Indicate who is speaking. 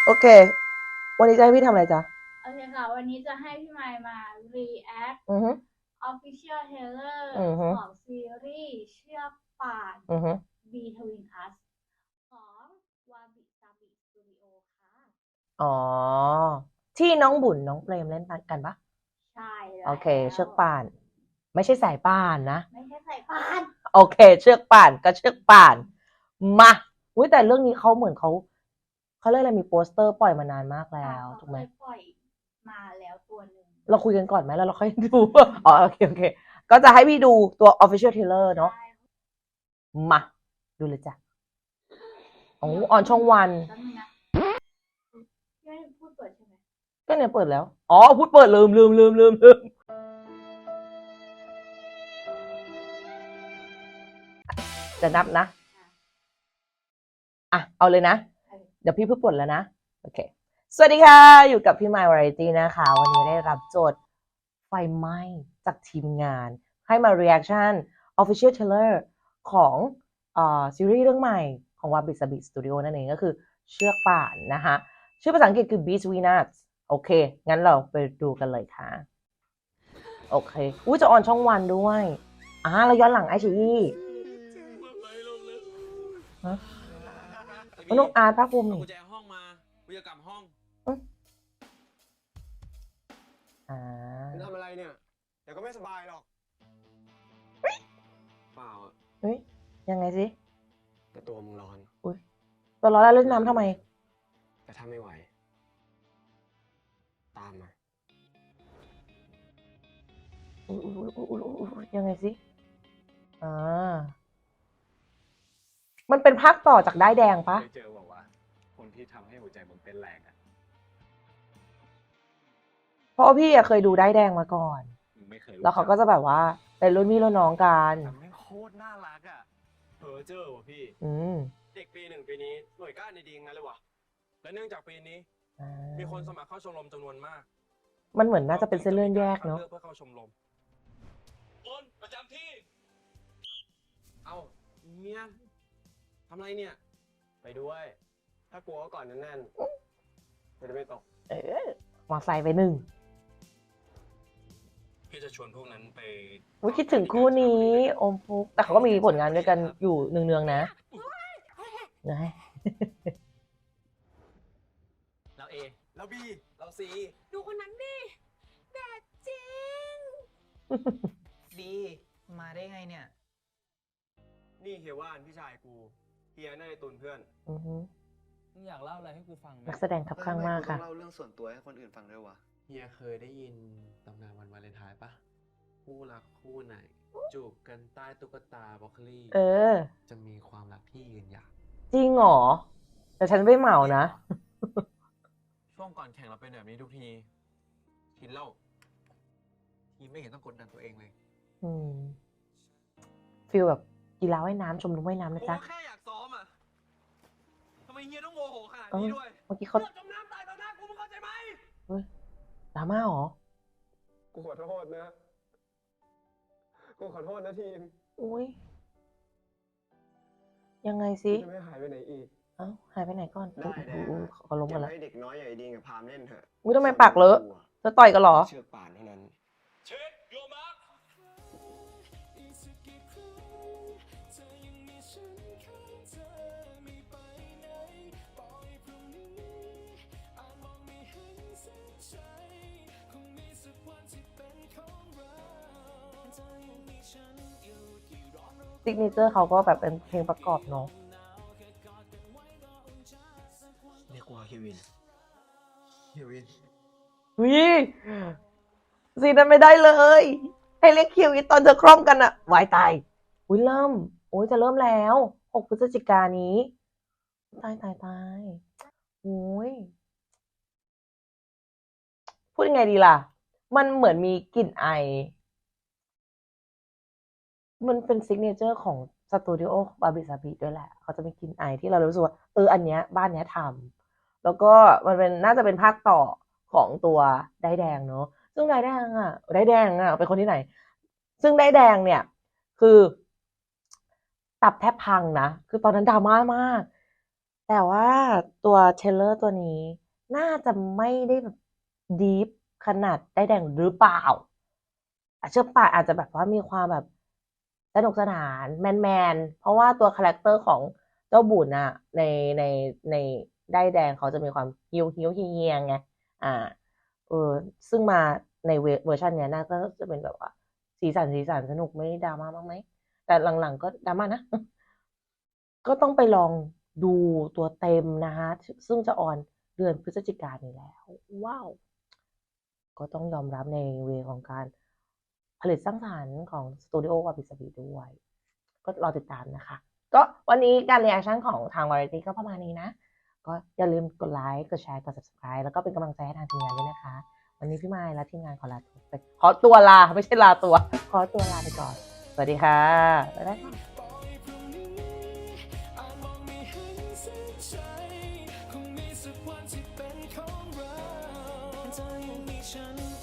Speaker 1: โอเควันนี้จะให้พี่ทำอะไรจ๊ะ
Speaker 2: โอเคค่ะวันนี้จะให้พี่ไมค์มา react
Speaker 1: อือฮึ
Speaker 2: official trailer
Speaker 1: อือฮึ
Speaker 2: ของซีรีส์เชือกป่าน
Speaker 1: อือฮึ
Speaker 2: Between Us ของวาบิซาบิสตูดิโอค่ะ
Speaker 1: อ๋อที่น้องบุญน้องเปรมเล่นกันปะ
Speaker 2: ใช่แ
Speaker 1: โอ
Speaker 2: ล้
Speaker 1: เคเชื
Speaker 2: ว
Speaker 1: อกป่านไม่ใช่สายป่านนะ
Speaker 2: ไม่ใช่สายป่าน
Speaker 1: โอเคเชือกป่านก็เชือกป่านมาอุ้ยแต่เรื่องนี้เขาเหมือนเขาเรียกอะไรมีโปสเตอร์ปล่อยมานานมากแล้
Speaker 2: ค่ะ
Speaker 1: ว
Speaker 2: เขา
Speaker 1: ถูกไหม
Speaker 2: เคยปล่อยมาแล้วตัวหนึ่ง
Speaker 1: เราคุยกันก่อนไหมแล้วเราค่อยดูอ๋อโอเคโอเคก็จะให้พี่ดูตัว official trailer เนาะ
Speaker 2: ใช่
Speaker 1: มาดูเลยจ้ะโอ้
Speaker 2: เดี๋ยว
Speaker 1: ออนช่องวัน
Speaker 2: แป๊บนึงนะพี่ไม่ได้พูดเปิดใช่ไหม
Speaker 1: ก็เนี่ยเปิดแล้วอ๋อพูดเปิดลืมจะนับนะอ่ะเอาเลยนะเดี๋ยวพี่เพิ่งปลดแล้วนะโอเคสวัสดีค่ะอยู่กับพี่ไมค์วาไรตี้นะคะวันนี้ได้รับโจทย์ไฟไหม้จากทีมงานให้มา reaction official trailer ของซีรีส์เรื่องใหม่ของ Wabi Sabi Studio นั่นเองก็คือเชือกป่านนะคะชื่อภาษาอังกฤษคือ Beast Venus โอเคงั้นเราไปดูกันเลยค่ะโอเคอุ้ยจะออนช่องวันด้วยเราย้อนหลังไอชีอีฮะน้องอาร์ตภาคภูมิ
Speaker 3: เอา
Speaker 1: นี่
Speaker 3: กุญแจห้องมากูจะกลับห้อง
Speaker 1: อ่า
Speaker 3: มึงทำอะไรเนี่ย เดี๋ยวก็ไม่สบายหรอกเปล่าอะ
Speaker 1: เฮ้ยยังไงสิ
Speaker 3: แต่ตัวมึงร้อน
Speaker 1: อุ้ยตัวร้อนแล้วเล่นน้ำทำไม
Speaker 3: แต่ถ้าไม่ไหว ตามมา
Speaker 1: อุ้ยยังไงสิอ่ามันเป็นภาคต่อจากด้ายแดงปะ
Speaker 4: เคยเจอบอกว่าคนที่ทำให้หัวใจมึงเต้นแรงอ่ะ
Speaker 1: เพราะว่าพี่อะเคยดูด้ายแดงมาก่อน
Speaker 4: มึงไม่เคยรู้
Speaker 1: แล้วเขาก็จะแบบว่าเป็นรุ่นพี่รุ่นน้องกัน
Speaker 4: แต่แม่งโคตรน่ารักอ่ะเพอเจอว่ะพี่
Speaker 1: อืม
Speaker 3: เด็กปีหนึ่งปีนี้หน่วยก้านในดีงั้นเลยวะและเนื่องจากปีนี้
Speaker 1: อ่า
Speaker 3: มีคนสมัครเข้าชมรมจำนวนมาก
Speaker 1: มันเหมือนน่าจะเป็นเส้นเรื่องแยกเนาะ
Speaker 3: เลือกเพื่อเข้าชมรมคนประจำที่ เอาเมียทำไรเนี่ย
Speaker 4: ไปด้วย ถ้ากลัวก็ก่อนแน่นๆจะได้ไม่ตก
Speaker 1: เออมอไซค์ไปหนึ่ง
Speaker 3: พี่จะชวนพวกนั้นไป
Speaker 1: วิคิดถึงคู่นี้โอมฟุกแต่เขาก็มีผลงานด้วยกันอยู่เนืองๆนะนะ
Speaker 3: เราเอเราบีเราซี
Speaker 5: ดูคนนั้นดิแดดจริง
Speaker 6: บีมาได้ไงเนี่ย
Speaker 3: นี่เฮียว่านพี่ชายกู เฮียน่าจะตุนเพื่อน
Speaker 1: อือฮึ
Speaker 6: มึงอยากเล่าอะไรให้กูฟังไหม
Speaker 1: นักแสดงคับข้างมากค่ะ
Speaker 7: เล่าเรื่องส่วนตัวให้คนอื่นฟังด้วยวะ
Speaker 4: เฮียเคยได้ยินตำนานวันวาเลนไทน์ปะคู่รักคู่ไหน จูบกันใต้ตุ๊กตาบล็อกโคลี่
Speaker 1: เออ
Speaker 4: จะมีความรักที่ยืนยาว
Speaker 1: จริงเหรอ แต่ฉันไม่เหมานะ
Speaker 3: ช่วงก่อนแข่งเราเป็นแบบนี้ทุกทีกินเหล้า
Speaker 4: ทีไม่เห็นต้องกดดันตัวเองเลย
Speaker 1: อืมฟีลแบบกีฬาว่ายน้ำชมรมว่ายน้ำนะ
Speaker 3: กู
Speaker 1: จ๊ะ
Speaker 3: แค่อยากซ้อมอ่ะทำไมเฮียต้องโมโหขนาด
Speaker 1: เออ
Speaker 3: นี้ด้วย
Speaker 1: เมื่อกี้เขา
Speaker 3: เลือดจมน้ำตายต่อหน้ากูมึงเข้าใจไหม
Speaker 1: ดราม่าเหรอ
Speaker 3: กูขอโทษนะ กูขอโทษนะทีม
Speaker 1: อุ้ยยังไงสิ
Speaker 3: จะไม่หายไปไหนอีก
Speaker 1: เอ้าหายไปไหนก่อน
Speaker 7: ได้ได้
Speaker 1: อุ๊ยเขาล้มกันแล้ว
Speaker 7: ให้เด็กน้อยใหญ่ดีกับพามเล่นเถอะ
Speaker 1: อุ้ยทำไมปากเลอะเธอต่อยกันเหรอ
Speaker 7: เชือกป่านเท่านั้น
Speaker 3: เช็คโยมาร์ค
Speaker 1: ซิกเนเจอร์เขาก็แบบเป็นเพลงประกอบเนาะ
Speaker 7: เรียกว่าเฮวิน เฮวิน
Speaker 1: วิซีนั้นไม่ได้เลย ให้เรียกคิวอีตอนเธอคร่อมกันอะวายตายอุ้ยเริ่มโอ้ยจะเริ่มแล้ว6 พฤศจิกายนนี้ ตายโอ้ยพูดยังไงดีล่ะ มันเหมือนมีกลิ่นไอ มันเป็นซิกเนเจอร์ของสตูดิโอบาบิซาบิด้วยแหละ เขาจะมีกลิ่นไอที่เรารู้สึกว่าอันเนี้ยบ้านเนี้ยทำแล้วก็มันเป็นน่าจะเป็นภาคต่อของตัวได้แดงเนาะซึ่งได้แดงเป็นคนที่ไหน ซึ่งได้แดงเนี่ย คือตับแทบพังนะ คือตอนนั้นดราม่ามากแต่ว่าตัวเทรลเลอร์ตัวนี้น่าจะไม่ได้แบบดีฟขนาดได้แดงหรือเปล่าเชื่อป่ะอาจจะแบบว่ามีความแบบสนุกสนานแมนเพราะว่าตัวคาแรคเตอร์ของเจ้าบุญอะในได้แดงเขาจะมีความฮิวเฮียงไงซึ่งมาในเวอร์ชันเนี้ยน่าก็จะเป็นแบบว่าสีสันสนุกไม่ดราม่ามากไหมแต่หลังๆก็ดราม่านะ ก็ต้องไปลองดูตัวเต็มนะคะซึ่งจะออนเดือนพฤศจิกายนนี้แล้ว ว้าว ก็ต้องยอมรับในเวของการผลิตสร้างสรรค์ของสตูดิโอวาบิสบิด้วย ก็รอติดตามนะคะ ก็วันนี้การรีแอคชั่นของทาง Variety ก็ประมาณนี้นะ ก็อย่าลืมกดไลค์ กดแชร์ กด subscribe แล้วก็เป็นกำลังใจให้ทางทีมงานด้วยนะคะ วันนี้พี่ไมค์และทีมงานขอตัวลาไม่ใช่ลาตัว ขอตัวลาไปก่อน สวัสดีค่ะ บ๊ายบายค่ะ
Speaker 7: คงมีสักวันที่เป็นของเราเธอยังมีฉัน